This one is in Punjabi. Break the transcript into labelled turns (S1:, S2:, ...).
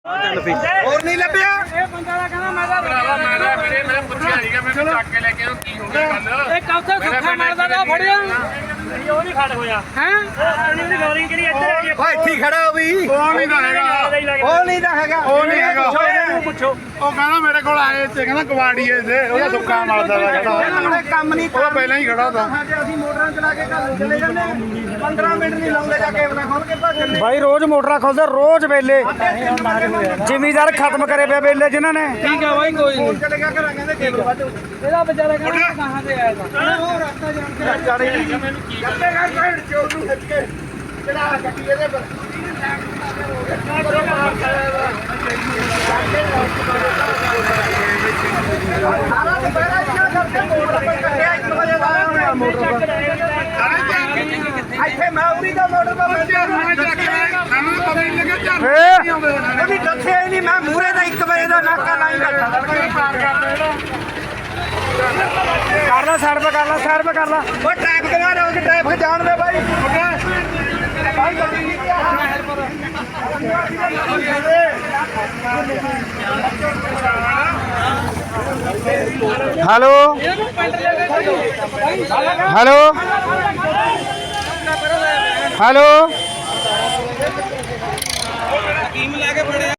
S1: ਹੋਰ ਨਹੀਂ ਲੱਭਿਆ
S2: ਇਹ ਬੰਦਾ ਦਾ ਕਹਿੰਦਾ ਮੈਂ ਤਾਂ
S3: ਮੈਂ ਪੁੱਛਿਆ ਸੀਗਾ ਮੈਂ ਚੱਕ ਕੇ ਲੈ ਕੇ ਕੀ ਹੋ ਗਿਆ ਗੱਲ
S2: ਇਹ ਕੌਥੇ ਸੁੱਖਾ ਮਾਰਦਾ ਤਾਂ ਫੜਿਆ ਉਹ ਨਹੀਂ ਖੜ ਹੋਇਆ ਹੈ ਉਹਦੀ ਲੋਰਿੰਗ ਕਿਹੜੀ ਇੱਧਰ ਆ ਗਈ
S1: ਓਏ ਇੱਥੇ ਖੜਾ ਹੋ ਵੀ
S3: ਉਹ ਨਹੀਂ ਤਾਂ ਹੈਗਾ
S1: ਉਹ ਨਹੀਂ ਤਾਂ ਹੈਗਾ
S3: ਉਹ ਨਹੀਂ ਹੈਗਾ
S2: ਪੁੱਛੋ
S3: ਉਹ ਕਹਿੰਦਾ ਮੇਰੇ ਕੋਲ ਆਏ ਤੇ ਕਹਿੰਦਾ ਕਵਾੜੀਏ ਦੇ ਉਹਦਾ ਸੁੱਕਾ ਮਾਰਦਾ ਦਾ ਕਹਿੰਦਾ
S1: ਕੰਮ ਨਹੀਂ
S3: ਉਹ ਪਹਿਲਾਂ ਹੀ ਖੜਾ ਤਾ
S1: ਅਸੀਂ ਮੋਟਰਾਂ ਚਲਾ ਕੇ ਘਰ ਨੂੰ ਚਲੇ ਜਾਂਦੇ 15 ਮਿੰਟ ਨਹੀਂ ਲਾਉਂਦੇ ਜਾ ਕੇ ਉਹਨਾਂ ਖੋਲ ਕੇ ਭੱਜ ਜਾਂਦੇ
S4: ਭਾਈ ਰੋਜ਼ ਮੋਟਰਾਂ ਖੋਲਦੇ ਰੋਜ਼ ਵੇਲੇ ਜ਼ਿਮੀਦਾਰ ਖਤਮ ਕਰੇ ਪਏ ਵੇਲੇ ਜਿਨ੍ਹਾਂ ਨੇ
S2: ਠੀਕ ਆ ਬਾਈ ਕੋਈ ਨਹੀਂ
S1: ਚਲੇ ਗਿਆ ਘਰਾਂ ਕਹਿੰਦੇ ਕੇਬਲ ਵੱਢ
S2: ਇਹਦਾ ਵਿਚਾਰਾ ਕਹਿੰਦਾ ਕਹਾਂ ਤੇ ਆਇਆ ਤਾਂ
S1: ਉਹ ਰਸਤਾ ਜਾਣ ਕੇ ਕਰਦੇ ਕਰ ਸਾਈਡ ਚੋਰ ਨੂੰ ਖਿੱਚ ਕੇ ਚੜਾ ਗੱਡੀ ਇਹਦੇ ਪਰ ਸਾਰਾ ਦੁਪਹਿਰਾ ਇੱਥੇ ਕਰਕੇ ਮੋਟਰ ਪਰ ਕੱਟਿਆ 1 ਵਜੇ ਲਾਇਆ ਹੋਇਆ ਮੋਟਰ ਪਰ ਇੱਥੇ ਮੈਂ ਉਰੀ ਦਾ ਮੋਟਰ ਪਰ ਬੈਠਿਆ ਉਹਦੀ ਦੱਸਿਆ ਹੀ ਨਹੀਂ ਮੈਂ ਮੂਰੇ ਦਾ 1 ਵਜੇ ਦਾ ਨਾਕਾ ਲਾਈ ਬੈਠਾ
S4: ਕਰ ਲਾ ਸਾਈਡ 'ਤੇ ਕਰ ਲਾ ਸਾਈਡ 'ਤੇ ਕਰ ਲਾ
S1: ਉਹ ਟ੍ਰੈਫਿਕ ਨਾ ਰੋਕ ਟ੍ਰੈਫਿਕ ਜਾਣ ਦੇ ਬਾਈ ਬਾਈ ਗੱਡੀ ਨਹੀਂ
S4: ਹੈਲੋ ਹੈਲੋ ਹੈਲੋ